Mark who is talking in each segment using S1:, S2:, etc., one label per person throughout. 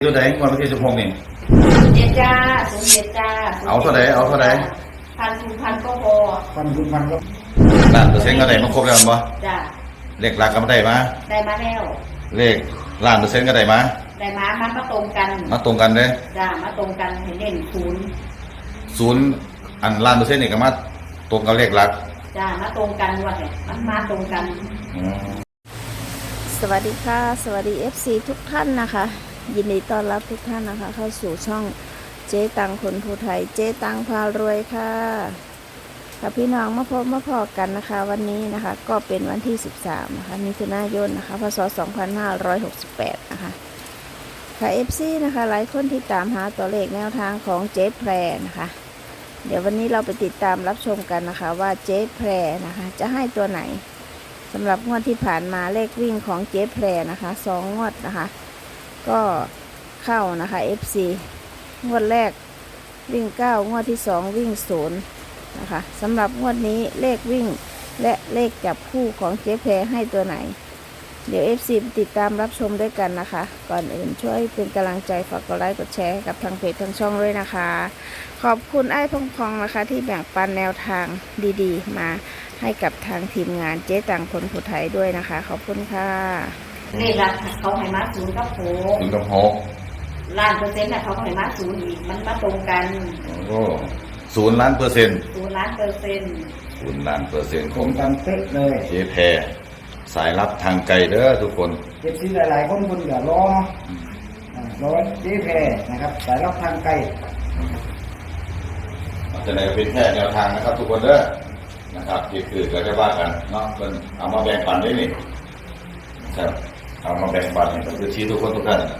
S1: ตัวไหนวันที่16นี่
S2: เจ็ดจ้า07จ้า
S1: เอาเท่าไหร่
S2: พันก็พอ
S3: พันก็
S1: ล้านเปอร์เซ็นต์ก็ได้มาครบแล้วมั้งบ่
S2: จ้า
S1: เลขหลักก็ได้มา
S2: แล้ว
S1: เลขล้านเปอร์เซ็นต์ก็ได้มา
S2: มันมาตรงกัน
S1: เด้
S2: จ้ามาตรงกันให้เน้น
S1: ศูนย์อันล้านเปอร์เซ็นต์นี่ก็มาตรงกับเลขหลัก
S2: จ้ามาตรงกันว่าเนี่ยมันมาตรงกัน
S4: สวัสดีค่ะสวัสดี FC ทุกท่านนะคะยินดีต้อนรับทุกท่านนะคะเข้าสู่ช่องเจ๊ตังคนภูไทยเจ๊ตังพารวยค่ะกับพี่น้องมาพบกันนะคะวันนี้นะคะก็เป็นวันที่13นะคะมิถุนายนนะคะพศ2568นะคะค่ะ FC นะคะหลายคนที่ตามหาตัวเลขแนวทางของเจ๊แพรนะคะเดี๋ยววันนี้เราไปติดตามรับชมกันนะคะว่าเจ๊แพรนะคะจะให้ตัวไหนสำหรับงวดที่ผ่านมาเลขวิ่งของเจ๊แพรนะคะ2 งวดนะคะก็เข้านะคะ FC งวดแรกวิ่ง9งวดที่2วิ่ง0นะคะสำหรับงวดนี้เลขวิ่งและเลขจับคู่ของเจ๊แพรให้ตัวไหนเดี๋ยว FC ติดตามรับชมด้วยกันนะคะก่อนอื่นช่วยเป็นกำลังใจฝากกดไลค์กดแชร์ให้กับทางเพจทางช่องด้วยนะคะขอบคุณไอ้พองๆนะคะที่แบ่งปันแนวทางดีๆมาให้กับทางทีมงานเจ๊ตังคนภูไทยด้วยนะคะขอบคุณค่ะ
S2: เลขหลักเขาให้มา0กับ6ล้านเปอร์เซ็นต์เขาให้มา0อีกมันมาตรงกัน
S1: โอ้0 ล้านเปอร์เซ็นต์
S2: 0 ล้านเปอร์เซ็นต์
S1: 0 ล้านเปอร์เซ็นต์
S3: ตรงกันเป๊ะเลย
S1: เจ๊แพรสายลับทางไกลเด้อทุกคน
S3: เจ็บซีหลายๆคนอย่ารอเจ๊แพรนะครับสายลับทางไกล
S1: จะไหนก็เป็นแค่แนวทางนะครับทุกคนเด้อนะครับที่คือเราจะว่ากันเนาะเป็นเอามาแบ่งปันได้นี่ครับเอามาแบ่งปันก็คือชี้ทุกคนทุกท่าน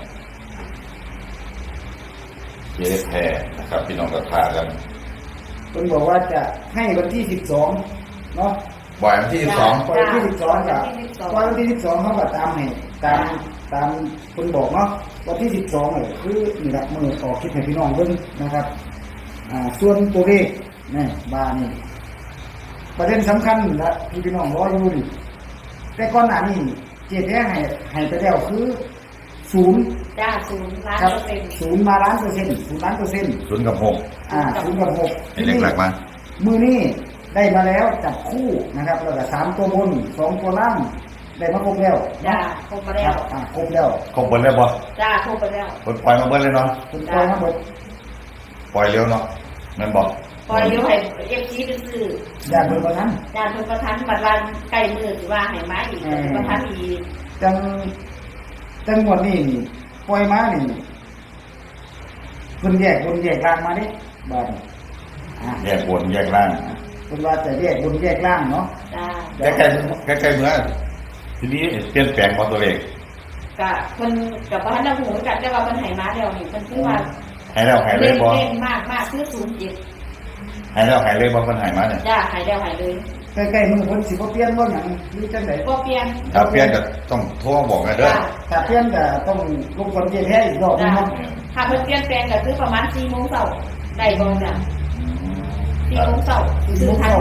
S1: เจ๊แพรนะครับพี่น้องกับพากัน
S3: คุณบอกว่าจะให้วันที่12เนาะ
S1: วันที่12
S3: ปล่อยวันที่12กับวันที่12เขาก็ตามให้ตามคุณบอกเนาะวันที่12เนี่ยคือนี่แหละมือออกคลิปให้พี่น้องเบิ่งนะครับส่วนตัวเลขนี่บานี่ประเด็นสำคัญนะพี่น้องรออยู่นี่แต่ก่อนหน้านี้เจ๊แท้ให้ไปแล้วคือ0
S2: จ้า0 ล้านเปอร์เซ็นต์
S3: 0มาล้านเปอร์เซ็นต์0 ล้านเปอร์เซ็นต์
S1: 0 กับ 6
S3: 0 กับ 6
S1: เป็นเลขหลักมา
S3: มือนี้ได้มาแล้วจับคู่นะครับแล้วก็3ตัวบน2ตัวล่างได้มาครบแล้ว
S2: จ้าครบแล้ว
S3: ครบแล้ว
S1: บ่
S2: จ้าครบแล้ว
S1: ปล่อยมาเบิ้ลเลยเนาะ
S3: ปล่อยมาหมด
S1: ปล่อยเร็วเนาะนั่นบอก
S2: ปล่อยเร็วให้FCไปซื้อ
S3: ญาติเพิ่นประทัน
S2: บัดวันใกล้มื้อสิว่าให้มาอีกประทันอีก
S3: จังหวัดนี้ปล่อยมานี่เพิ่นแยกบนแยกล่างมาดิบาด
S1: แยกบนแยกล่าง
S3: เพิ่นว่าจะแยกบนแยกล่างเนาะ
S1: ใกล้เมื่อทีนี้เปลี่ยนแปลงของตัวเลข
S2: ก็เพิ่นก็บ่ทันได้ฮู้จักแต่ว่าเพิ่นให้มาแล้วนี่เพิ่นคือว่า
S1: ให้แล้วให้เลยบ่
S2: เล่นมากคือ
S1: ให้แล้วให้เลยบ่เพิ่นให้มาเนี่ย
S2: จ้าให้แล้วให้เลย
S3: ใกล้ๆมื้อเพิ่นสิบ่เปลี่ยนบ่หยังมีจังได๋
S2: บ่เปลี่ยน
S1: ถ้าเปลี่ยนก็ต้องโทรบอกกันเด้อ
S3: ถ้าเปลี่ยนก็ต้องลงคนเย็นแท้อีกรอบนึงเนาะ
S2: ถ้าเพิ่นเปลี่ยนแปลงก็คือประมาณ 4:00 นได้บ่จ้ะ4:00 น
S3: 4:00 น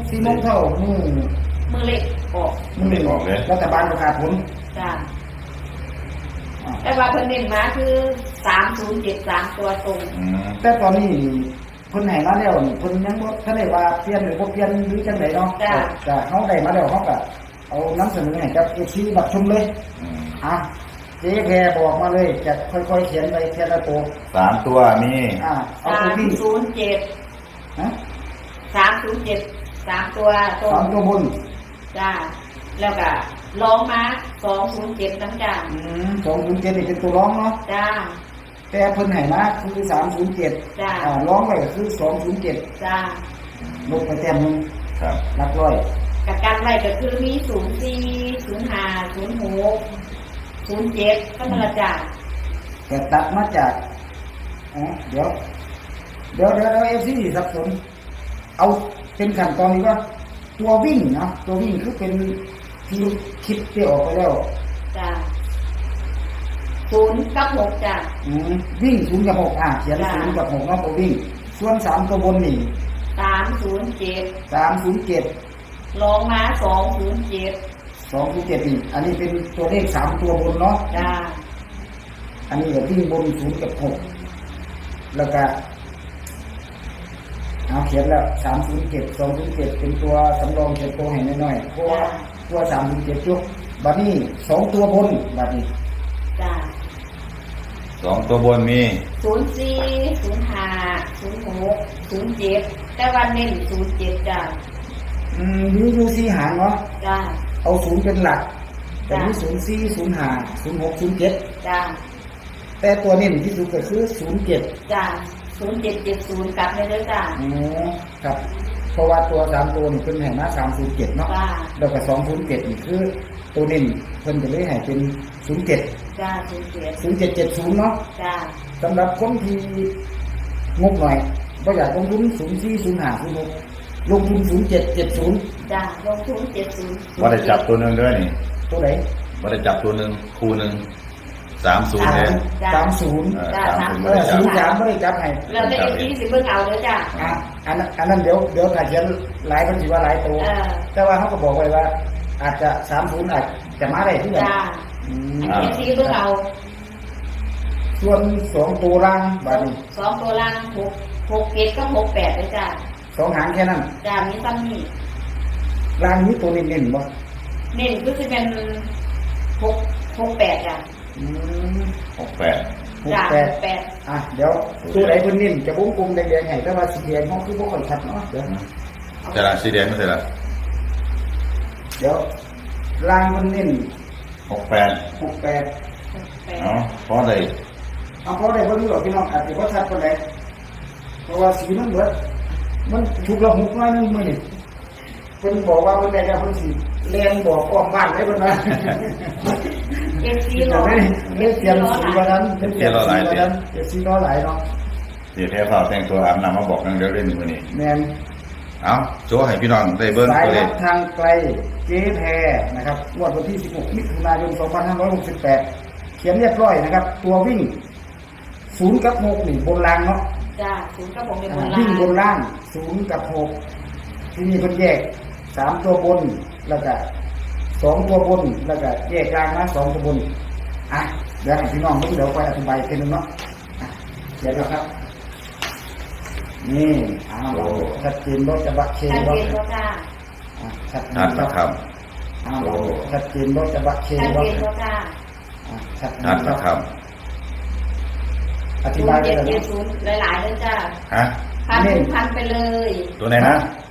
S2: มื้อเล็กออก
S1: มื้อเล็กออกเลย
S3: รัฐบาลประกาศผล
S2: จ้าแต่ว่าเพิ่นเน้นมาคือ3073ตัวตรง
S3: แต่ตอนนี้เพิ่นให้มาแล้วเพิ่นยังบ่ทันได้ว่าเปลี่ยนหรือบ่เปลี่ยนหรือจังได๋เนาะก็เฮาได้มาแล้วเฮาก็เอานำเสนอให้กับ FC รับชมเลยเจ๊แพรบอกมาเลยจะค่อยๆเขียนไปทีละตัว
S1: 3ตัวมี
S3: เอาตัวที่
S2: 307ฮะ307 3ตัวตรง
S3: 3ตัวบน
S2: จ้าแล้วก็ร้องมา207น้ำจ้า
S3: 207นี่เป็นตัวร้องเนาะ
S2: จ้า
S3: แต่เพิ่นให้มาคือ307
S2: จ้า
S3: ร้องไว้ก็คือ207
S2: จ้า
S3: ลงไปแต้มนึง
S1: ครับ
S3: หลักร้อย
S2: กับการไว้ก็คือมี04 05 06 07ก็มาจ้า
S3: แต่ตัดมาจากเดี๋ยวFC สับสนเอาเป็นขั้นตอนนี้ว่าตัววิ่งนะตัววิ่งคือเป็นที่คิดที่ออกไปแล้ว
S2: จ้า0 กับ 6จ้า
S3: วิ่ง0 กับ 6เขียน0 กับ 6เนาะตัววิ่งส่วน3ตัวบนนี่
S2: 307ลองมา207
S3: นี่อันนี้เป็นตัวเลข3ตัวบนเนาะ
S2: จ้า
S3: อันนี้ก็วิ่งบน0กับ6แล้วก็เอาเขียนแล้ว307 207เป็นตัวสำรองเขียนตัวให้น้อยๆเพราะว่าตัว307จุกบัดนี้2ตัวบนบัดนี้
S2: จ้า
S1: 2ตัวบนมี
S2: 04 05 06 07แต่วันเน้น07จ้า
S3: อยู่4หางเนาะ
S2: จ้า
S3: เอา0เป็นหลักแต่
S2: จ้ะ
S3: มี04 05 06 07
S2: จ้า
S3: แต่ตัวเน้นที่สุดก็คือ07
S2: จ้า0770กลับเลยเด้อจ้า
S3: อ๋อครับเพราะว่าตัว3ตัวนี่เพิ่นให้มา307เนาะ
S2: จ้า
S3: แล้วก็207นี่คือตัวเน้นเพิ่นจะเลยให้เป็น07
S2: จ้า07
S3: 0770เนาะ
S2: จ้า
S3: สำหรับคนที่งบหน่อยบ่อยากลงทุน04 05 06ลงทุน0770
S2: จ้าลงทุน70
S1: ว่าได้จับตัวหนึงด้วยนี่
S3: ตัวไหน
S1: ว่าได้จับตัวหนึงคู่หนึง30เลย
S2: จ้า
S3: 30
S2: จ้า
S1: 30
S3: เอ
S1: บ่ได้
S3: อ
S1: จับ
S3: 03บ่ได้จับให้
S2: เราได้ที่สิเบิ่งเอาเด้อจ้า
S3: อันนั้นเดี๋ยวถ้าเขียนหลายคนสิว่าหลายตัว แต่ว่าเขาก็บอกไว้ว่า อาจจะ30อาจจะมาได้ที่ไหน
S2: จ้า อันนี้ที่เบิ่งเอา
S3: ส่วน2ตัวล่างบาดนี้
S2: 2ตัวล่าง6 7กับ68เด้อจ้า
S3: 2หางแค่นั้น
S2: จ้ามีซ้ำนี่
S3: ล่างนี้ตัวเน้นๆบ่
S2: เน้นก็จะเป็น68จ้า
S3: อืม
S1: 68
S2: จ้า
S3: 68
S2: 68
S3: อ่ะเดี๋ยวตัวไหนเพิ่นเน้นจะวงกลมแดงๆให้แต่ว่าสีแดงเขาคือบ่ค่อยชัดเนาะเดี๋ยว
S1: แต่ละสีแดงไม่ใช่ละ
S3: เดี๋ยวล่างมันเน้น
S1: 68
S3: 68
S1: เนาะพอได้
S3: เอาเพราะได้บ่รู้หรอกพี่น้องอาจจะบ่ชัดปานใดเพราะว่าสีมันเบิดมันถูกละหุกน้อยนึงมื้อนี้เพิ่นบอกว่าเพิ่นได้แล้วเพิ่นสิแล่นบอกอ้อมบ้านได้เพิ่นว่า
S2: เอฟซี
S3: ที่
S2: ร้
S3: เรา
S2: อน
S3: ไม่เตรียมสีวันนั้นเป็นเตรียมสีวันนั้นเตรียมสีน้อยหลายเนาะ
S1: เดี๋ยวแท้ฟ้าแต่งตัวอาบน้ำมาบอกนังเดี๋ยวเล่นมื้อนี้
S3: แมน
S1: เอาโชว์ให้พี่น้องได้เบิ่ง
S3: สาย
S1: ตัวเล
S3: รั
S1: ข
S3: บทางไกลเจ๊แพรนะครับงวดวันที่ 16 มิถุนายน 2568 เขียนเรียบร้อยนะครับ ตัววิ่ง0กับ6นี่บนรางเนาะ
S2: จ้าศูนย์กับผมเป็นบนล่า
S3: วิ่ง
S2: ง
S3: บนล่าง0กับ6ที่นี่เพิ่นแยก3ตัวบนแล้วก็2ตัวบนแล้วก็แยกกลางนะ2ตัวบนอ่ะเดี๋ยวให้พี่น้องดูเดี๋ยวค่อยอธิบายอีกทีนึงเนาะอ่ะเขียนแล้วครับ นี่ชัดเจนรถจะบักเช
S2: ชัด
S3: วะ
S2: เจนว่าจ้า
S3: ชัดเจ
S1: นัด
S3: น
S1: นะครับ
S3: ชัดเจนรถจะบักเช
S2: ชัด
S3: วะ
S2: เจนว่าจ้า
S3: ชัดเจ
S1: นัดนะครับ
S3: อธิบายไปเลย
S2: 0770หลายๆเลยจ้า
S1: ฮะ
S2: พันไปเลย
S1: ตัวไหนนะ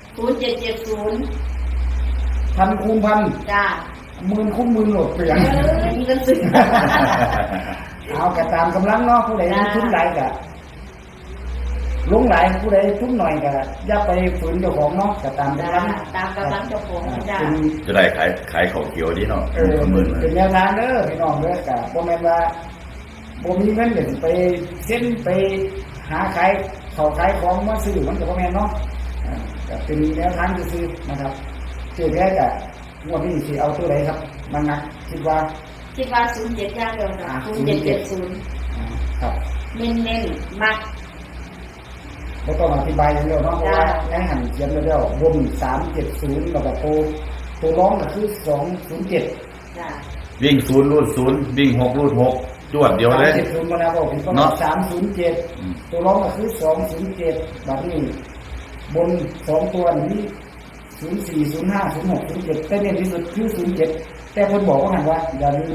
S2: 0770
S3: พันคูณพัน
S2: จ้า
S3: หมื่นคูณหมื่นโหลดเปลี่ยน
S2: มีกันสึก
S3: เอากระตามกำลังเนาะผู้ใดทุนหลายกะลงหลายผู้ใดทุนหน่อยกะอย่าไปฝืนเจ้าของเนาะกระตาม
S2: จ้าก
S3: ำลัง
S2: ตามกำลังเจ้าของจ้า
S3: เป็น
S1: จะได้ขายของเขียวดีเนาะ
S3: เป็
S1: มื้อ
S3: เป็นแนวทางเด้อพี่น้องเด้อกะบ่แม่นว่าบ่มีเงินเดี๋ยวสิไปเส้นไปหาขายเขาขายของมาซื้อมันก็บ่แม่นเนาะก็เป็นแนวทางซื่อๆนะครับเจ๊แท้กะงวดนี้สิเอาตัวใดครับมันนักคิดว่า
S2: คิดว่า07ย่างเดียวจ้า0770
S3: ครับ
S2: เน้นๆมัก
S3: แล้วก็อธิบายอย่างเดียวเนาะเพราะว่าในหันเขียนไว้แล้วบน370แล้วก็ตัวร้องก็คือ207
S2: จ้า
S1: วิ่ง0รูด0วิ่ง6รูด6จวดเดียวเลย
S3: 370มาแล้วบอกผมก็
S1: เนาะ
S3: 307ตัวร้องก็คือ207แบบนี้บน2ตัวนี้04 05 06 07แต่เน้นที่สุดคือ07แต่คนบอกว่าหันว่าอย่าลืม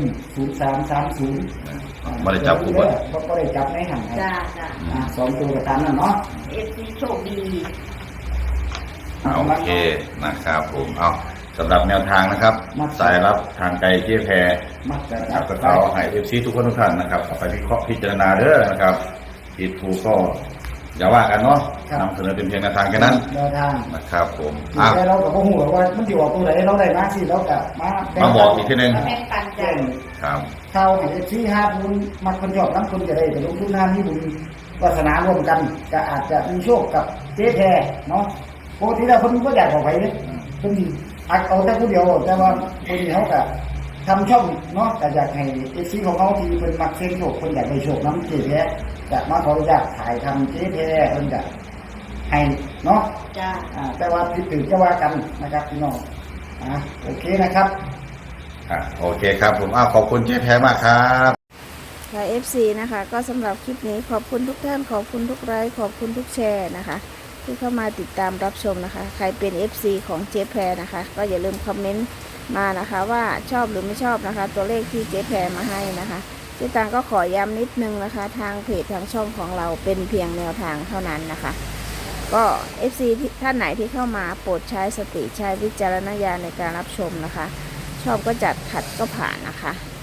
S3: 0330
S1: บ่ได้จับคู่บ่
S3: ก็ได้จับในหัน
S2: จ้าจ้า
S3: 2ตัวก็ตามนั้นเนาะ
S2: เอฟซีโชคดี
S1: โอเคนะครับผมเอาสำหรับแนวทางนะครับ สายรับทางไกลเจี๊ยแพร
S3: มักจะ
S1: นะครับก็เอาให้ FC ทุกคนทุกท่านนะครับเอาไปวิเคราะห์พิจารณาเด้อนะครับผิดถูกก็อย่าว่ากันเนาะนำเสนอเป็นเพียงแนวทางแค่นั้น
S3: แนวทาง
S1: นะครับผม
S3: แต่เราก็บ่ฮู้หรอกว่ามันสิออกตัวไหนเราได้มาสิเราก็มา
S1: บอกอีกทีนึง
S2: แม่ปัน
S3: แจ้
S2: จ้าง
S1: ครับ
S3: เข้าให้ที่5บุญมักคนชอบนำคนจะได้ไปลงทุนน้ามีบุญวาสนาร่วมกันก็อาจจะมีโชคกับเจ๊แพรเนาะปกติแล้วเพิ่นบ่อยากออกไปเด้เพิ่นอัดเอาแต่ผู้เดียวแต่ว่าเพิ่นเขาก็ทำช่องเนาะก็อยากให้ FC ของเขาที่เพิ่นมักเสี่ยงโชคเพิ่นอยากได้โชคนํเจ๊แพรจะมาขออนุญาตถ่ายทำเจ๊แพรเพิ่นจะให้เนาะ
S2: จ้า
S3: แต่ว่าผิดถือจะว่ากันนะครับพี่น้องโอเคนะครับ
S1: โอเคครับผมขอบคุณเจ๊แพรมากครับ
S4: ค่ะ FC นะคะก็สำหรับคลิปนี้ขอบคุณทุกท่านขอบคุณทุกไลค์ขอบคุณทุกแชร์นะคะที่เข้ามาติดตามรับชมนะคะใครเป็น FC ของเจ๊แพรนะคะก็อย่าลืมคอมเมนต์มานะคะว่าชอบหรือไม่ชอบนะคะตัวเลขที่เจ๊แพรมาให้นะคะเจ๊ตังก็ขอย้ำนิดนึงนะคะทางเพจทางช่องของเราเป็นเพียงแนวทางเท่านั้นนะคะก็ FC ท่านไหนที่เข้ามาโปรดใช้สติใช้วิจารณญาณในการรับชมนะคะชอบก็จัดขัดก็ผ่านนะคะ